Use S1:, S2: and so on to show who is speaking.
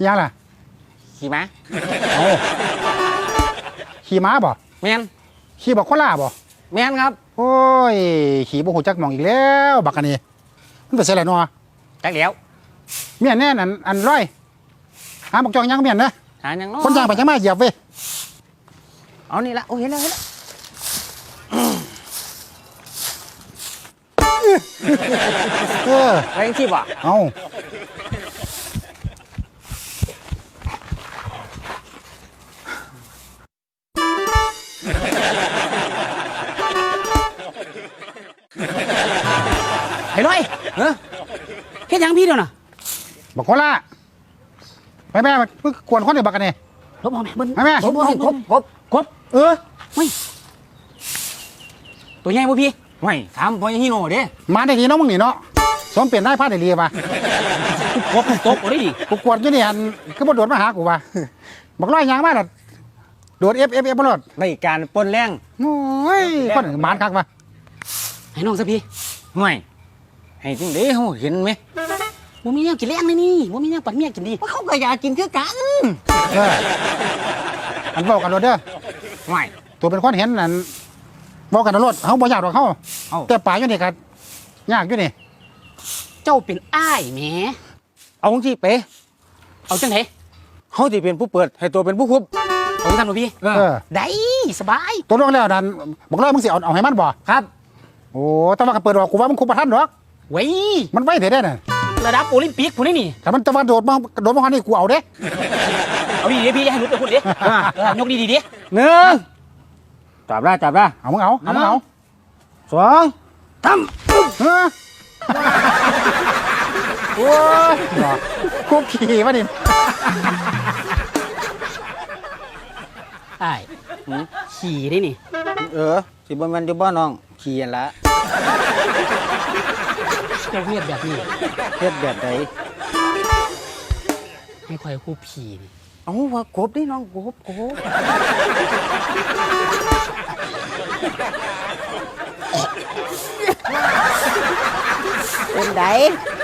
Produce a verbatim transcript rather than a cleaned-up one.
S1: ยังล่ะ
S2: ขี่ม้า
S1: โอ้ขี่ม้าบ่
S2: แมน
S1: ขี่บอกโคล่าบ่
S2: แมนครับ
S1: โอ้ยขี่บ่หูจักมองอีกแล้วบักอันนี้มันเป็นเสร็จแล้วเนาะ
S2: จักแล้ว
S1: เมียนแน่นอันอันร้อยหาบอกจองยังเมียนนะ
S2: หายังน้
S1: คนย่างไปจังมาเหยียบเว้ย
S2: เอานี่ละโอ้เห็นแล้วเห็นแล้ว
S1: เออ
S2: อะไรที่บ่
S1: เอา
S2: ไอ้ร้อยเออแค่ยังพี่เดียวน่ะ
S1: บอกโคล่าแม่แม่เพิ่งกวนคนเดียวบักกันนี่
S2: ครบหอมแม่
S1: แม่แม่
S2: ครบครบครบครบ
S1: เออ
S2: ไม่ตัวใหญ่ป่ะพี่ไม่ถามพ่อยังฮิโน่เด้
S1: มาได้ดีเนาะมึงนี่เนาะสมเปลี่ยนได้พลาดได้ดีป่ะ
S2: ครบครบโอ้ยดิ
S1: กูกวนอยู่นี่อันคือบ่โดดมาหากูว่ะบอกร้อยยางมาล่ะโดดเอฟเอฟเอฟบ่รอด
S2: ในการปนแรง
S1: โอ้ยคนหมานคักว่ะ
S2: ให้น้องซะพี่ห่วยให้จริงเด้เฮาเห็นไหมบ่มีแนวกินแรงเลยนี่บ่มีแนวปัดเมียกินดีเขาก็อยากกินคือกัน
S1: เอออันเว้ากันโลดเด้อ
S2: ห่วย
S1: ตัวเป็นคนเห็นนั่นเว้ากันโลดเฮาบ่อยากดอกเฮาแต่ป่าอยู่นี่ก็ยากอยู่นี่
S2: เจ้าเป็นอ้ายแหมเอาจังซี่เป๋เอาจังได๋เฮาสิเป็นผู้เปิดให้ตัวเป็นผู้คุบเอาซั่นบ่พี่
S1: เออ
S2: ได้สบาย
S1: ตัวลงแล้วนั่นบอกเลยมึงสิเอาเอาให้มันบ่
S2: ครับ
S1: โอ้แต่ว่าก็เปิดออกกูว่ามึงคุมบ่ทันดอก
S2: เว้ย
S1: มันไว้เด้อน่ะ
S2: ระดับโอลิมปิกพุ่นนี่
S1: ถ้ามันจะมาโดดมาโดดมานี่กูเอาเด้
S2: เอาดีๆพี่ให้หนูไปพูดดิเออยกดีๆดิ
S1: หนึ่ง
S2: จับได้จับได้
S1: เอามึงเอาเอามึงเอา
S2: สองสาม
S1: เออโอ้ยคุกขี่มาดิ
S2: ไอ้ขี่ได้นี่
S1: เออสิบ่แม่นอยู่บ่น้องขี่อันละ
S2: เจ้าเฮ็ดแบบนี้
S1: เฮ็ดแบบใด
S2: ให้ข่อยคู่ผีนี่
S1: เอ้าว่ากบดิน้องกบกบ
S2: เป็นได